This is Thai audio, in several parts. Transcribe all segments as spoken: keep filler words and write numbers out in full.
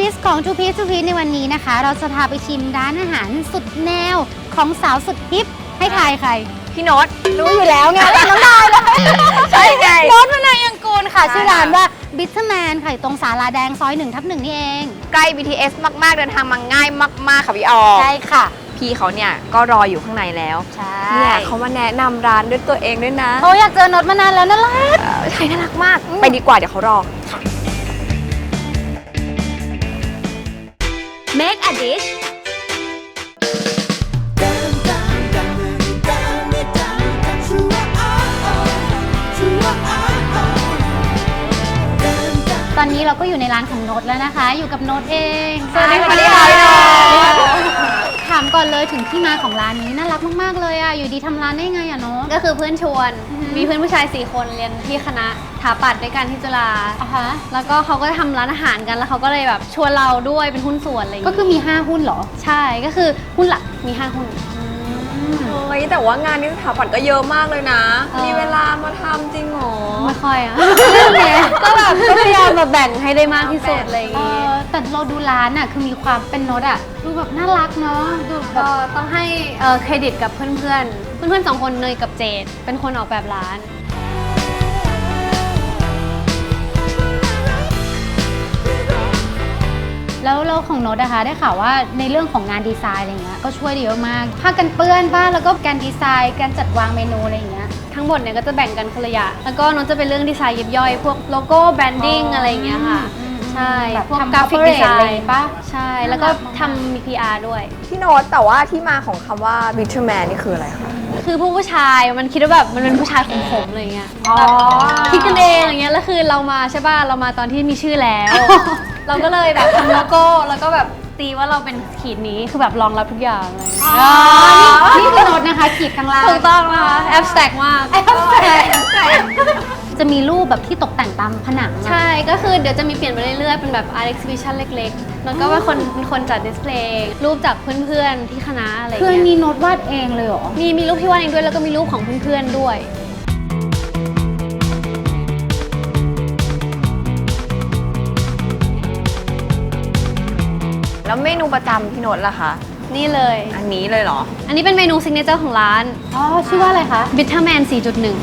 Piece ของ Two Piece Two Piece ในวันนี้นะคะเราจะพาไปชิมร้านอาหารสุดแนวของสาวสุดฮิปให้ทายใครพี่โน้ตรู้อยู่แล้วไงน้องนายเลยใช่ไงโน้ตวนายังกูลค่ะชื่อร้านว่า Bitterman ค่ะตรงศาลาแดงซอยหนึ่งทับหนึ่งนี่เองใกล้ บี ที เอส มากๆเดินทางมาง่ายมากๆค่ะพี่ออใช่ค่ะพี่เขาเนี่ยก็รออยู่ข้างในแล้วใช่เนี่ยเขามาแนะนำร้านด้วยตัวเองด้วยนะโอ้อยากเจอโน้ตมานานแล้วน่ารักใช่น่ารักมากไปดีกว่าเดี๋ยวเขารอ Make a dish ตอนนี้เราก็อยู่ในร้านของโน้ตแล้วนะคะอยู่กับโน้ตเองสวัสดีค่ะถามก่อนเลยถึงที่มาของร้านนี้น่ารักมากๆเลยอ่ะอยู่ดีทำร้านได้ไงอ่ะโน้ตก็คือเพื่อนชวนมีเพื่อนผู้ชายสี่คนเรียนที่คณะถาปัตย์ด้วยกันที่จุฬาแล้วก็เขาก็ทำร้านอาหารกันแล้วเขาก็เลยแบบชวนเราด้วยเป็นหุ้นส่วนอะไรอย่างเงี้ยก็คือมีห้าหุ้นเหรอใช่ก็คือหุ้นหลักมีห้าหุ้นเฮ้ยแต่ว่างานนี้สถาปัตย์ก็เยอะมากเลยนะมีเวลามาทำจริงหรอไม่ค่อยอ่ะก็แบบก็พยายามมาแบ่งให้ได้มากที่สุดอะไรอย่างเงี้ยแต่เราดูร้านอ่ะคือมีความเป็นโน้ตอ่ะดูแบบน่ารักเนาะดูแบบต้องให้เครดิตกับเพื่อนๆเพื่อนๆสองคนเนยกับเจดเป็นคนออกแบบร้านแล้วเราของโน้ตนะคะได้ข่าวว่าในเรื่องของงานดีไซน์อะไรเงี้ยก็ช่วยเยอะมากผ้ากันเปื้อนบ้างแล้วก็การดีไซน์การจัดวางเมนูอะไรอย่างเงี้ยทั้งหมดเนี่ยก็จะแบ่งกันคนละอย่างแล้วก็โน้ตจะเป็นเรื่องดีไซน์ยิบย่อยพวกโลโก้แบรนดิ้งอะไรอย่างเงี้ยค่ะใช่พวกกราฟิกดีไซน์ป่ะใช่แล้วก็ทำมี พี อาร์ ด้วยพี่โน้ตแต่ว่าที่มาของคำว่า Bitterman นี่คืออะไรคะคือพวกผู้ชายมันคิดว่าแบบมันเป็นผู้ชายของผมอะไรเงี้ยคิดกันเองอย่างเงี้ยแล้วคือเรามาใช่ป่ะเรามาตอนที่มีชื่อแล้วเราก็เลยแบบทำโลโก้แล้วก็แบบตีว่าเราเป็นขีดนี้คือแบบรองรับทุกอย่างเลยนี่คือโน้ตนะคะขีดข้างล่างถูกต้องนะคะแอบสแต็กมากจะมีรูปแบบที่ตกแต่งตามผนังใช่ก็คือเดี๋ยวจะมีเปลี่ยนไปเรื่อยๆเป็นแบบ art exhibition เล็กๆแล้วก็เป็นคนเป็นคนจัดดิสเพลย์รูปจากเพื่อนๆที่คณะอะไรเงี้ยคือมีโน้ตวาดเองเลยเหรอมีมีรูปที่วาดเองด้วยแล้วก็มีรูปของเพื่อนๆด้วยแล้วเมนูประจำพี่โน้ตล่ะคะนี่เลยอันนี้เลยเหรออันนี้เป็นเมนูซิกเนเจอร์ของร้านอ๋อชื่อว่าอะไรคะ Bitterman สี่จุดหนึ่ง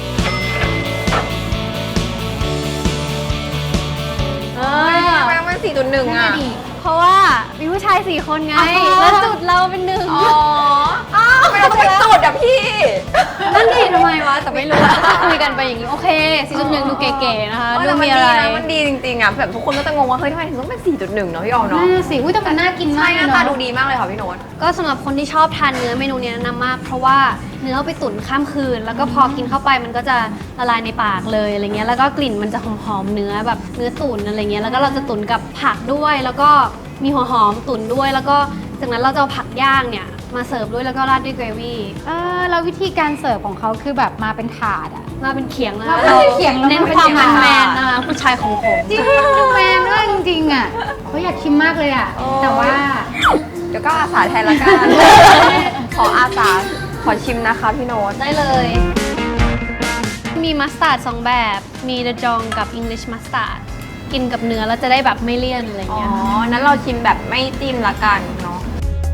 เออแม่มัน สี่จุดหนึ่ง อ่ะเพราะว่ามีผู้ชายสี่คนไงแล้วจุดเราเป็นหนึ่งอ๋ออ้าวทำไมเราต้องเป็นจุดอ่ะพี่นั่นดิทำไมวะแต่ไม่รู้คุยกันไปอย่างนี้โอเค สี่จุดหนึ่ง ดูเก๋ๆนะคะดูมีอะไรมันดีจริงๆอ่ะแบบทุกคนก็จะงงว่าเฮ้ยทำไมถึงต้องเป็น สี่จุดหนึ่ง เนาะพี่ออมเนาะน่าสิอุ้ยแต่มันน่ากินมากหน้าตาดูดีมากเลยค่ะพี่โน้ตก็สำหรับคนที่ชอบทานเนื้อเมนูนี้แนะนำมากเพราะว่าเนื้อเอาไปตุ๋นข้ามคืนแล้วก็พอกินเข้าไปมันก็จะละลายในปากเลยอะไรเงี้ยแล้วก็กลิ่นมันจะหอมๆเนื้อแบบเนื้อตุ๋นอะไรเงี้ยแล้วก็เราจะตุ๋นกับผักด้วยแล้วก็มีหัวหอมตุ๋นด้วยแล้วก็จากนั้นเราจะเอาผักย่างเนี่ยมาเสิร์ฟด้วยแล้วก็ราดด้วยเกรวี่เออแล้ววิธีการเสิร์ฟของเขาคือแบบมาเป็นถาดอะมาเป็นเขียงนะเราเขียงเน้นความแมนแมนนะคะผู้ชายของผมจริงดูแมนด้วยจริงๆอ่ะเขาอยากชิมมากเลยอ่ะแต่ว่าเดี๋ยวก็อาสาแทนละกัน ขออาสาขอชิมนะคะพี่โน้ตได้เลยมีมัสตาร์ดสองแบบมีเดจองกับอังกฤษมัสตาร์ดกินกับเนื้อแล้วจะได้แบบไม่เลี่ยนอะไรเงี้ยอ๋อนั้นเราชิมแบบไม่จิ้มละกันเนาะ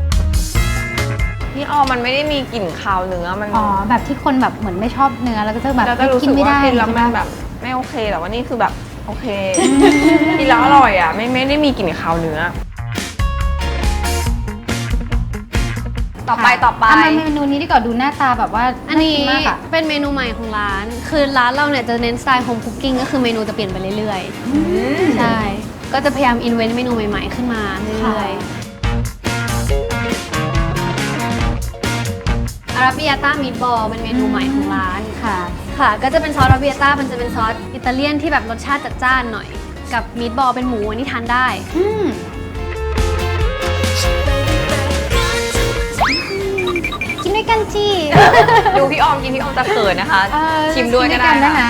พี่ออมันไม่ได้มีกลิ่นคาวเนื้อมันอ๋อแบบที่คนแบบเหมือนไม่ชอบเนื้อแล้วก็จะแบบกินไม่ได้กินแล้วมันแบบไม่โอเคแต่ว่านี่คือแบบโอเคกินแล้วอร่อยอ่ะไม่ไม่ได้มีกลิ่นคาวเนื้อต่อไปต่อไปเมนูนี้ดีกว่าดูหน้าตาแบบว่าอันนี้เป็นเมนูใหม่ของร้านคือร้านเราเนี่ยจะเน้นสไตล์โฮมคุกกิ้งก็คือเมนูจะเปลี่ยนไปเรื่อยๆใช่ก็จะพยายามอินเวนต์เมนูใหม่ๆขึ้นมาเรื่อยๆอาราบิอาต้ามีทบอลเป็นเมนูใหม่ของร้านค่ะค่ะก็จะเป็นซอสอาราบิอาต้ามันจะเป็นซอสอิตาเลียนที่แบบรสชาติจัดจ้านหน่อยกับมีทบอลเป็นหมูอันนี้ทานได้กินด้วยกันจีดูพี่ออมกินพี่ออมจะเขินนะคะชิมด้วยก็ได้นะคะ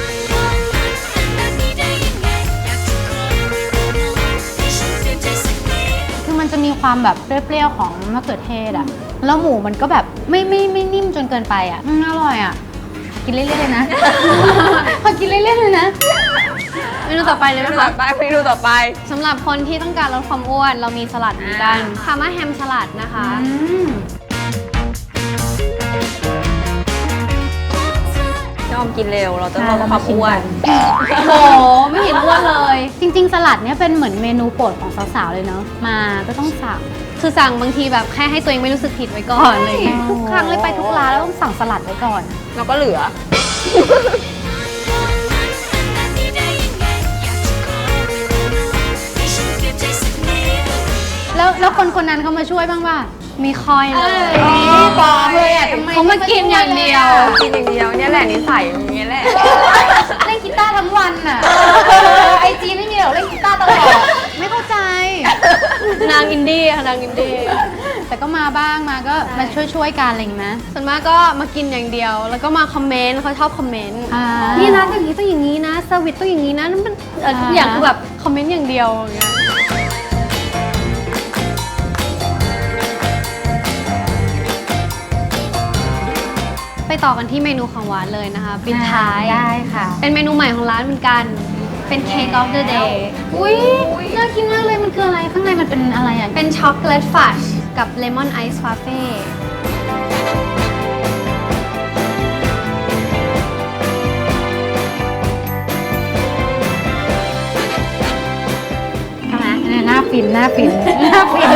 คือมันจะมีความแบบเปรี้ยวๆของมะเขือเทศอ่ะแล้วหมูมันก็แบบไม่ไม่ไม่นิ่มจนเกินไปอ่ะอร่อยอ่ะกินเรื่อยๆเลยนะพอกินเรื่อยๆเลยนะเมนูต่อไปเลยเมไหมนูต่คะอไปเมนูต่อไปสำหรับคนที่ต้องการลดความอ้วนเรามีสลัดเหมือนกันพาม่าแฮมสลัดนะคะอืมยอมกินเร็วเราจะลดความอ้วนโหไม่เห็นอ้วนเลยจริงๆ สลัดเนี่ยเป็นเหมือนเมนูโปรดของสาวๆ เลยเนาะ มาก็ต้องสั่งคือสั่งบางทีแบบแค่ให้ตัวเองไม่รู้สึกผิดไว้ก่อนอะไรอย่างเลยทุกครั้งเลยไปทุกร้านแล้วต้องสั่งสลัดไว้ก่อนเราก็เหลือแล้วแล้วคนคนนั้นเขามาช่วยบ้างป่ะมีคอยเลยปลอมเลยอ่ะทำไมเขามากินอย่างเดียวกินอย่างเดียวเนี่ยแหละนิสัยอย่างเงี้ยแหละเล่นกีตาร์ทั้งวันอ่ะไอจีไม่มีหรอกเล่นกีตาร์ตลอด ไม่เข้าใจนางอินดี้ค่ะนางอินดี้แต่ก็มาบ้างมาก็มาช่วยๆกันอะไรอย่างเงี้ยนะส่วนมากก็มากินอย่างเดียว แล้วก็มาคอมเมนต์เขาชอบคอมเมนต์อ่านี่ร้านอย่างนี้ต้องอย่างนี้นะเซอร์วิสต้องอย่างนี้นะนั่นเป็นเอ่อทุกอย่างคือแบบคอมเมนต์อย่างเดียวอย่างเงี้ย ไปต่อกันที่เมนูของหวานเลยนะคะปิดท้ายได้ค่ะเป็นเมนูใหม่ของร้านเหมือนกัน เป็น Cake of the Day อุ้ยน่ากินมากเลยมันคืออะไรข้างในมันเป็นอะไรอ่ะเป็นช็อกโกแลตฟัชกับเลมอนไอซ์ฟาเฟ่ใช่ไหมเนี่ยหน้าฟินหน้าฟินหน้าฟิน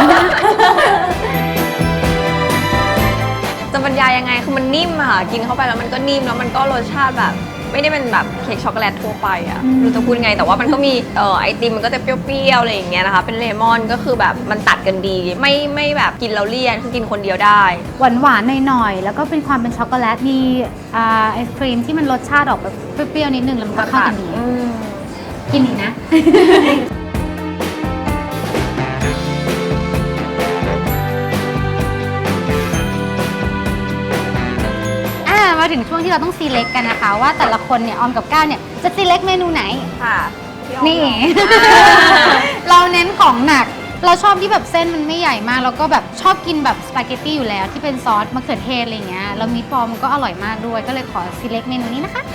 จะบรรยายยังไงคือมันนิ่มอะค่ะกินเข้าไปแล้วมันก็นิ่มแล้วมันก็รสชาติแบบ ไม่ได้เป็นแบบเค้กช็อกโกแลตทั่วไปอะไม่รู้จะพูดไงแต่ว่ามันก็มีเอ่อไอติมมันก็จะเปรี้ยวๆอะไรอย่างเงี้ยนะคะเป็นเลมอนก็คือแบบมันตัดกันดี ไม่ไม่แบบกินแล้วเลี่ยนคือกินคนเดียวได้หวานหวานๆหน่อยๆแล้วก็เป็นความเป็นช็อกโกแลตมีอ่าไอศครีมที่มันรสชาติออกแบบเปรี้ยวๆนิดนึงแล้วมันก็เข้ากันดีอืมกินอีกนะ อ่ามาถึงช่วงที่เราต้องซีเล็กกันนะคะ ว่าแต่ละคนเนี่ยออมกับก้าวเนี่ยจะซีเล็กเมนูไหนค่ะนี่ เราเน้นของหนัก เราชอบที่แบบเส้นมันไม่ใหญ่มาก แล้วก็แบบชอบกินแบบสปาเกตตี้อยู่แล้วที่เป็นซอสมะเขือเทศอะไรเงี้ยแล้วมีทบอลมันก็อร่อยมากด้วย ก็เลยขอซีเล็กเมนูนี้นะคะ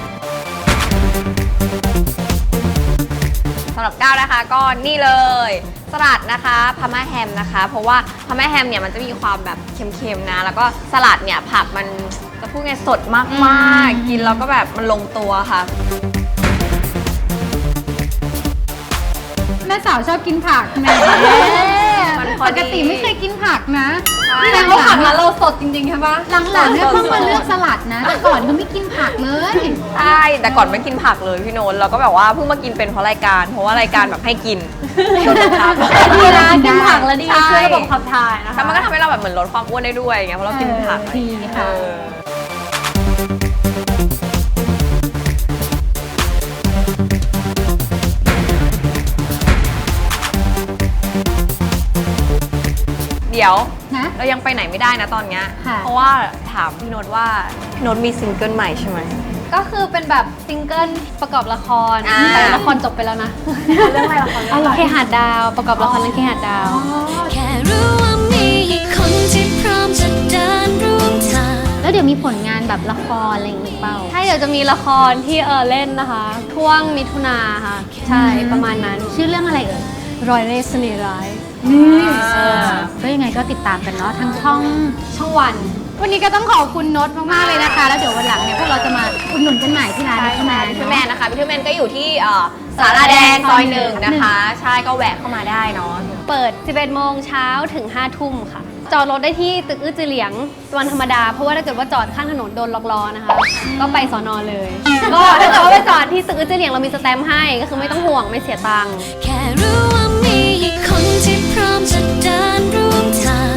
สำหรับก้าวนะคะก็นี่เลยสลัดนะคะพาม่าแฮมนะคะ เพราะว่าพาม่าแฮมเนี่ยมันจะมีความแบบเค็มๆนะแล้วก็สลัดเนี่ยผักมันจะพูดไงสดมากๆกินแล้วก็แบบมันลงตัวค่ะแม่สาวชอบกินผักแหมมันพอปดีกติไม่เคยกินผักนะนี่แต่เขาผักร้านเราสดจริงๆใช่ปะหลังๆเนี่ยเพิ่งมาเลือกสลัดนะ แต่ก่อนก็ไม่กินผักเลยใช่แต่ก่อนไม่กินผักเลยพี่โนนท์เราก็แบบว่าเพิ่งมากินเป็นเพราะรายการ เพราะว่ารายการแบบให้กินโดนบังคับดีนะกินผักแล้วดีใช่ช่วยระบบขับถ่ายนะคะแล้วมันก็ทำให้เราแบบเหมือนลดความอ้วนได้ด้วยไงเพราะเรากินผักเออดีค่ะเออเดี๋ยวนะเรายังไปไหนไม่ได้นะตอนเนี้ยค่ะเพราะว่าถามพี่โนตว่าพี่โนตมีซิงเกิลใหม่ใช่ไหมก็คือเป็นแบบซิงเกิลประกอบละครอ่าแต่ละครจบไปแล้วนะเรื่องอะไรละครเรื่องอะไรเคหาดดาวประกอบละครเรื่องเคหาดดาวแค่รู้ว่ามีคนที่พร้อมจะเดินร่วมทางแล้วเดี๋ยวมีผลงานแบบละครอะไรอย่างงี้เปล่าใช่เดี๋ยวจะมีละครที่เออเล่นนะคะช่วงมิถุนาค่ะ ใช่ประมาณนั้นชื่อเรื่องอะไรเอ่ยรอยเล่ห์เสน่ห์ร้ายนี่ก็ยังไงก็ติดตามกันเนาะทั้งช่องช่องวันวันนี้ก็ต้องขอบคุณโนตมากๆเลยนะคะ แล้วเดี๋ยววันหลังเนี่ยพวกเราจะมาอุดหนุนกันใหม่ที่ร้านพิทแมนพิทแมนนะคะพิทแมนก็อยู่ที่เอ่อสาราแดงซอยหนึ่งนะคะ ใช่ก็แวะเข้ามาได้เนาะเปิด สิบเอ็ดโมงเช้าถึง ห้าทุ่มค่ะ จอดรถได้ที่ตึกอื้อจือเหลียงวันธรรมดา เพราะว่าถ้าเกิดว่าจอดข้างถนนโดนล็อกล้อนะคะ ก็ไปสอนอเลย ก็ถ้าเกิดว่าไปจอดที่ตึกอื้อจือเหลียงเรามีสแตมป์ให้ ก็คือไม่ต้องห่วงไม่เสียตังค์แค่รู้ว่ามีคนที่พร้อมจะเดินร่วมทาง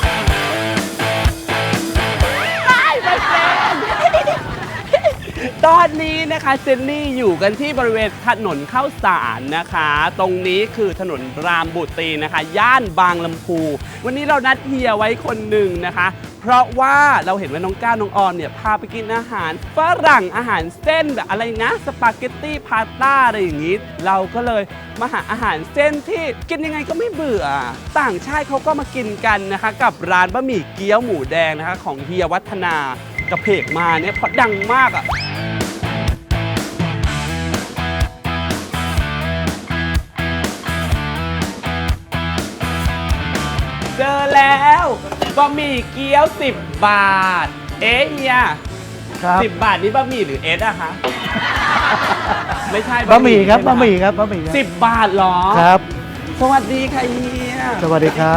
ตตอนนี้นะคะเจนนี่อยู่กันที่บริเวณถนนข้าวสารนะคะ ตรงนี้คือถนนรามบุตรีนะคะ ย่านบางลำพูวันนี้เรานัดเฮียไว้คนหนึ่งนะคะ เพราะว่าเราเห็นว่าน้องก้าวน้องออมเนี่ยพาไปกินอาหารฝรั่งอาหารเส้นแบบอะไรนะสปาเกตตี้พาสต้าอะไรอย่างนี้เราก็เลยมาหาอาหารเส้นที่กินยังไงก็ไม่เบื่อต่างชาติเขาก็มากินกันนะคะ กับร้านบะหมี่เกี๊ยวหมูแดงนะคะของเฮียวัฒนากระเพกมาเนี่ยเพราะดังมากอ่ะเจอแล้วบะหมี่เกี๊ยวสิบบาท เอ๊ะเฮียครับสิบบาทนี้บะหมี่หรือเอสอะคะ ไม่ใช่บะหมี่ครับใช่ไบะหมี่ครับบะหมี่ครับสิบบาทเหรอครับสวัสดีค่ะเฮียสวัสดีครับ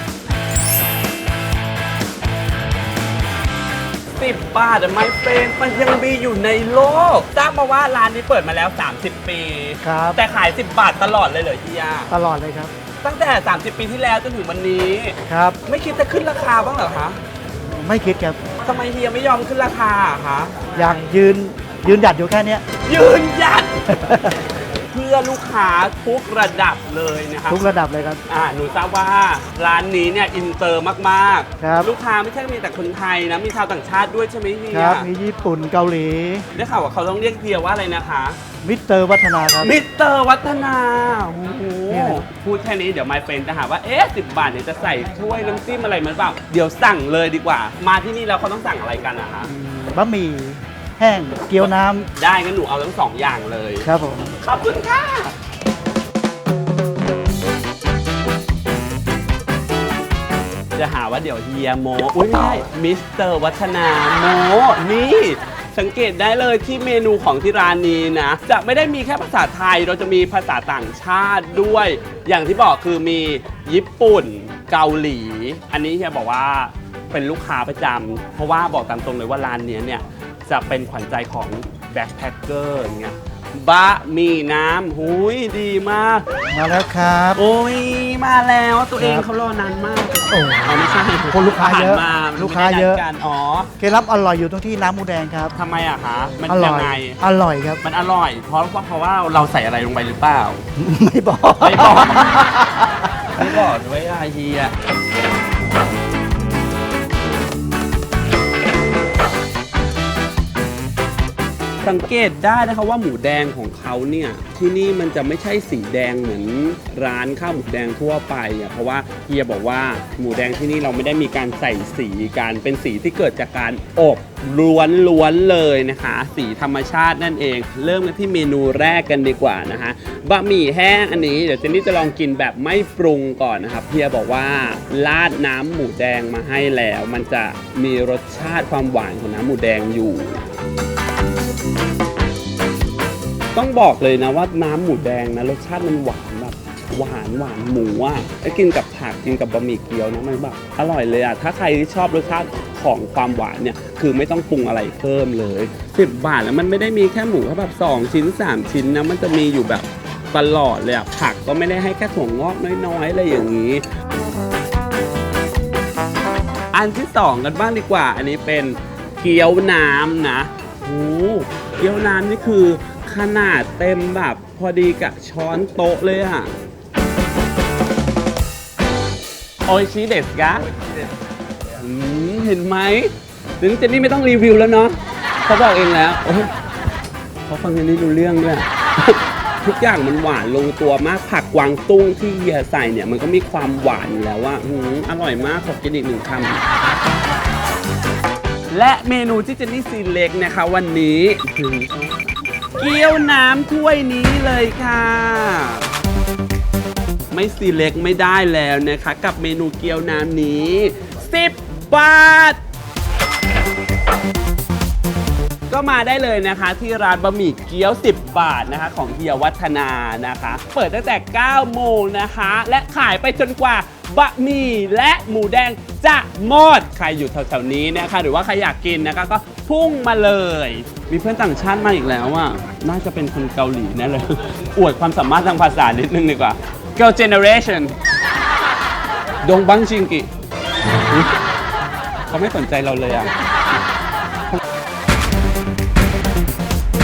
สิบบาทอะไม่เป็นมันยังมีอยู่ในโลกทราบมาว่าร้านนี้เปิดมาแล้ว สามสิบ ปีครับแต่ขายสิบบาทตลอดเลยเหรอเฮียตลอดเลยครับตั้งแต่ สามสิบ ปีที่แล้วจนถึงวันนี้ครับไม่คิดจะขึ้นราคาบ้างเหรอคะไม่คิดครับทำไมเฮียไม่ยอมขึ้นราคาอะคะอยากยืนยืนหยัดอยู่แค่เนี้ยยืนหยัด เพื่อลูกค้าทุกระดับเลยนะครับทุกระดับเลยครับอ่าหนูทราบว่าร้านนี้เนี่ยอินเตอร์มากครับลูกค้าไม่ใช่มีแต่คนไทยนะ มีชาวต่างชาติด้วยใช่ไหมเฮียครับ มีญี่ปุ่นเกาหลีได้ข่าวว่าเขาต้องเรียกเฮียว่าอะไรนะคะมิสเตอร์วัฒนาครับมิสเตอร์วัฒนาโอ้โหเนี่ยพูดแค่นี้เดี๋ยวไมเฟนจะหาว่า เอ๊ะสิบบาทเนี่ยจะใส่ถ้วยน้ำจิ้มอะไรมันเปล่า เดี๋ยวสั่งเลยดีกว่า มาที่นี่แล้วเขาต้องสั่งอะไรกันนะคะบะหมี่แห้งเกี๊ยวน้ได้งั้นหนูเอาทั้งสองอย่างเลยำครับผมขอบคุณค่ะ จะหาว่าเดี๋ยวเฮียโมอุ้ยไม่ใช่มิสเตอร์วัฒนาโม นี่ สังเกตได้เลยที่เมนูของที่ร้านนี้นะ จะไม่ได้มีแค่ภาษาไทยเราจะมีภาษาต่างชาติด้วย อย่างที่บอกคือมีญี่ปุ่นเกาหลี อันนี้เฮียบอกว่าเป็นลูกค้าประจำเพราะว่าบอกตามตรงเลยว่าร้านนี้เนี่ย จะเป็นขวัญใจของแบ็คแพคเกอร์อย่างเงี้ยบะหมี่น้ำหุยดีมากมาแล้วครับโอ้ยมาแล้วตัวเองครับเขารอนานมากโอ้อ๋อไม่ใช่คนลูกค้าเยอะผ่นมาลูกค้าเยอะไม่ได้นัดกันอ๋อเคล็ดลับอร่อยอยู่ตรงที่น้ำหมูแดงครับทำไมอะคะ มันอร่ยัอง ยไงอร่อยครับมันอร่อย เพราะว่าเพราะว่าเราใส่อะไรลงไปหรือเปล่าไม่บอกไม่บอก ไม่บอกด้วยอะเฮียสังเกตได้นะคะว่าหมูแดงของเขาเนี่ยที่นี่มันจะไม่ใช่สีแดงเหมือนร้านข้าวหมูแดงทั่วไปอ่ะเพราะว่าเฮียบอกว่าหมูแดงที่นี่เราไม่ได้มีการใส่สีกันเป็นสีที่เกิดจากการอบล้วนๆเลยนะคะ สีธรรมชาตินั่นเอง เริ่มกันที่เมนูแรกกันดีกว่านะคะบะหมี่แห้งอันนี้เดี๋ยวเจนนี่จะลองกินแบบไม่ปรุงก่อนนะครับเฮียบอกว่าราดน้ำหมูแดงมาให้แล้ว มันจะมีรสชาติความหวานของน้ำหมูแดงอยู่ ต้องบอกเลยนะว่าน้ำหมูแดงนะรสชาติมันหวานแบบหวานหวานหมูอ่ะแล้วกินกับผักกินกับบะหมี่เกี๊ยวนะมันแบบอร่อยเลยอ่ะถ้าใครที่ชอบรสชาติของความหวานเนี่ยคือไม่ต้องปรุงอะไรเพิ่มเลยสิบบาทแล้วมันไม่ได้มีแค่หมูแค่แบบสองชิ้นสามชิ้นนะมันจะมีอยู่แบบตลอดเลยอ่ะผักก็ไม่ได้ให้แค่ถั่วงอกน้อยๆอะไรอย่างนี้ อันที่สองกันบ้างดีกว่า อันนี้เป็นเกี๊ยวน้ำนะโอ้เกี๊ยวน้ำนี่คือขนาดเต็มแบบพอดีกับช้อนโต๊ะเลยอะโออิชิเดสกะอืมเห็นไหมถึงเจนนี่ไม่ต้องรีวิวแล้วเนาะเขาบอกเองแล้วโอ้ยเขาฟังเจนนี่รู้เรื่องด้วย ทุกอย่างมันหวานลงตัวมากผักกวางตุ้งที่เฮียใส่เนี่ยมันก็มีความหวานอยู่แล้วว่าอืมอร่อยมากขอกินอีกหนึ่งคำและเมนูที่เจนนี่ซีเล็กนะคะวันนี้คือเกี๊ยวน้ำถ้วยนี้เลยค่ะ ไม่ซีเล็กไม่ได้แล้วนะคะกับเมนูเกี๊ยวน้ำนี้สิบบาท ก็มาได้เลยนะคะที่ร้านบะหมี่เกี๊ยวสิบบาทนะคะของเฮียวัฒนานะคะ เปิดตั้งแต่เก้าโมงนะคะและขายไปจนกว่าบะหมี่และหมูแดงจะหมดใครอยู่แถวๆนี้นะคะหรือว่าใครอยากกินนะคะก็พุ่งมาเลย มีเพื่อนต่างชาติมาอีกแล้วอ่ะน่าจะเป็นคนเกาหลีแน่เลย อวดความสามารถทางภาษานิดนึงดีกว่า Girl Generation ดงบังชิงกิเขาไม่สนใจเราเลยอ่ะ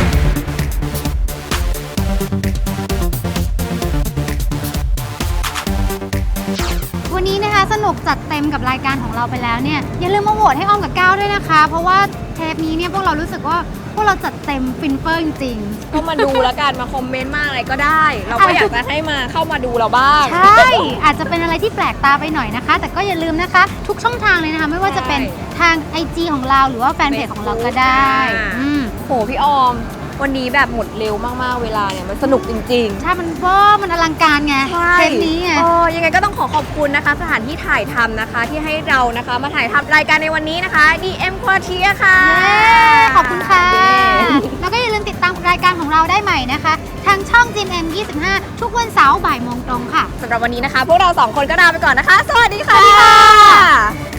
วันนี้นะคะสนุกจัดเต็มกับรายการของเราไปแล้วเนี่ยอย่าลืมมาโหวตให้อ้อมกับก้าวด้วยนะคะ เพราะว่าเทปนี้เนี่ยพวกเรารู้สึกว่าพวกเราจัดเต็มฟินเฟอร์จริงก็มาดูแล้วกันมาคอมเมนต์มาอะไรก็ได้ เราก็อยากจะให้มาเข้ามาดูเราบ้างๆ ใช่ อาจจะเป็นอะไรที่แปลกตาไปหน่อยนะคะ แต่ก็อย่าลืมนะคะ ทุกช่องทางเลยนะคะ ไม่ว่าจะเป็นทาง ไอ จี ของเราหรือว่าแฟนเพจของเราก็ได้อ่าอืมโหพี่ออม วันนี้แบบหมดเร็วมากๆเวลาเนี่ยมันสนุกจริงๆใช่มันเวอร์มันอลังการไงใช่เทปนี้ไงเออยังไงก็ต้องขอขอบคุณนะคะ สถานที่ถ่ายทำนะคะ ที่ให้เรานะคะมาถ่ายทำรายการในวันนี้นะคะ ดี เอ็ม Quartier ค่ะเย้ขอบคุณค่ะเย้แล้วก็อย่าลืมติดตามรายการของเราได้ใหม่นะคะ ทางช่อง จี เอ็ม ยี่สิบห้า ทุกวันเสาร์บ่ายโมงตรงค่ะสำหรับวันนี้นะคะ พวกเราสองคนก็ลาไปก่อนนะคะ สวัสดีค่ะ